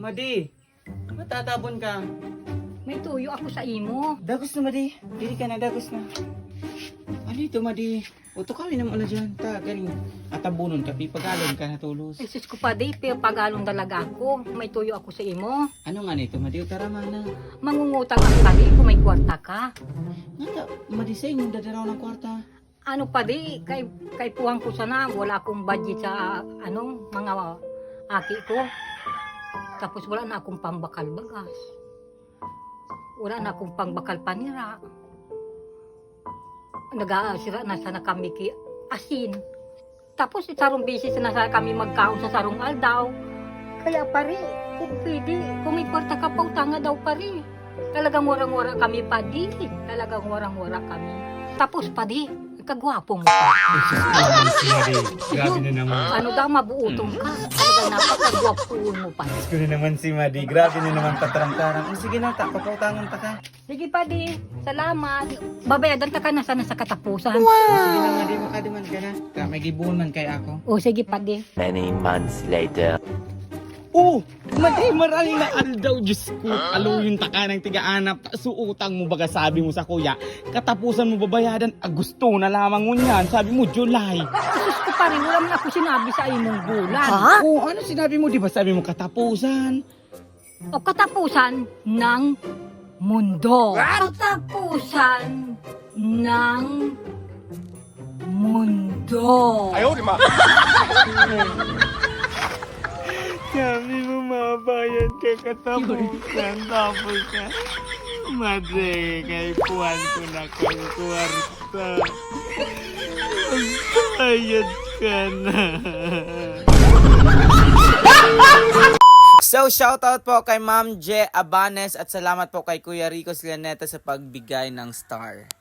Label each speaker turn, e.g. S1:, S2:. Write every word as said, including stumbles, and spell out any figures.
S1: Madi, matatabon ka.
S2: May tuyo ako sa imo.
S1: Dagos na, Madi. Dili ka na, dagos na. Ano ito, Madi? Uto kami naman na dyan. Ta, galing. Atabunon ka, pipagalon ka na tulos.
S2: Isus ko pa di, pero pagalong dalaga ako. May tuyo ako sa imo.
S1: Ano nga nito, Madi? Tara, mana.
S2: Mangungutang ako pa di kung may kwarta ka.
S1: Nga ta, Madi, sa'yo mong dadaraw ng kwarta.
S2: Ano pa di, kay, kay puwang ko sana, wala akong budget sa ano, mga aki ko. Tapos wala na akong pangbakal bagas. Wala na akong pangbakal panira. Nag-aasira na sana kami ki asin. Tapos sarong bisis na sana kami magkaon sa sarong aldaw. Kaya pare, kung pwede, kung may kwarta ka pa, utanga daw pare. Talagang warang-wara kami pa di. Talagang warang-wara kami. Tapos pa di, kagwapo mo pa.
S1: Grabe na naman.
S2: Ano daw, mabuutong ka. Talagang napakagwapoon mo pa.
S1: Diyos ko na naman si Madi. Grabe na naman patarang-tarang. Oh, sige na, ta, papautangan ta ka.
S2: Sige pa di, salamat. Babayadan ta ka na sana sa katapusan.
S1: Oh, sige na, Madi, makaduman ka na. Ta, may gibuhon man kay ako.
S2: O sige pa di.
S3: Many months later.
S1: Oh, Madi, marami na aldaw. Diyos ko, aluyin ta ka ng tiga-anap. Suutang mo baga sabi mo sa kuya. Katapusan mo babayadan. Ah, gusto na lamang mo niyan. Sabi mo, July.
S2: Sus ko pa rin, wala man ako sinabi sa imong bulan.
S1: Oh, ano sinabi mo? Di ba sabi mo katapusan?
S2: O katapusan ng mundo. Katapusan ng mundo.
S1: Sabi mo mabayad ka katapusan. Tapos ka. Madre, kay puwan ko na kang kwarta. Bayad ka na. So, shoutout po kay Ma'am Je Abanes at salamat po kay Kuya Rico Slaneta sa pagbigay ng star.